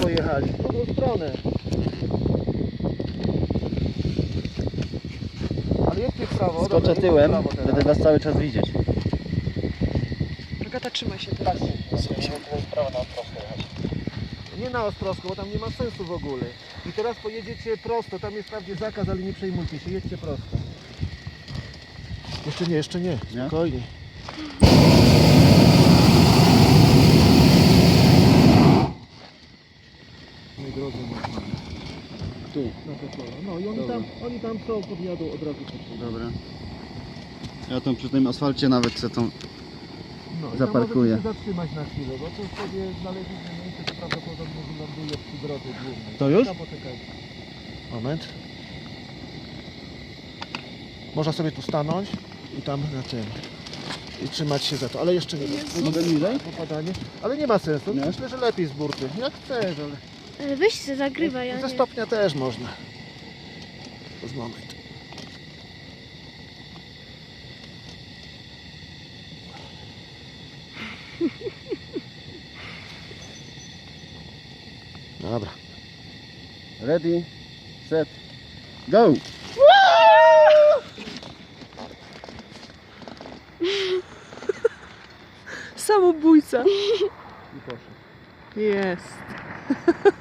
pojechali, w drugą stronę. Ale jedźcie w prawo. Skoczę dobra, tyłem, w prawo teraz. będę was cały czas widzieć. Agata, trzymaj się teraz. Musimy tutaj w prawo na prosto jechać. Nie na Ostrowską, bo tam nie ma sensu w ogóle. I teraz pojedziecie prosto, tam jest wprawdzie zakaz, ale nie przejmujcie się, jedźcie prosto. Jeszcze nie, spokojnie. Nie drodze normalne. Tu. Na to pole. No i Dobra. oni tam są, podjadą od razu. Dobra. Ja tam przy tym asfalcie nawet se tą... No, i Zaparkuję. tam możecie się zatrzymać na chwilę, bo tu sobie znaleźliśmy miejsce, to prawdopodobnie wyląduje przy drodze głównej. To już? No, poczekajcie. Moment. Można sobie tu stanąć i tam na tym. I trzymać się za to, ale jeszcze nie. Mogę niżej? Popadanie. Ale nie ma sensu. Nie? Myślę, że lepiej z burty. Jak chcesz, ale... Ale weź się zagrywa, ja Ze nie. stopnia też można. Z moment. Dobra. Ready, set, go! Samobójca. I poszedł. Jest.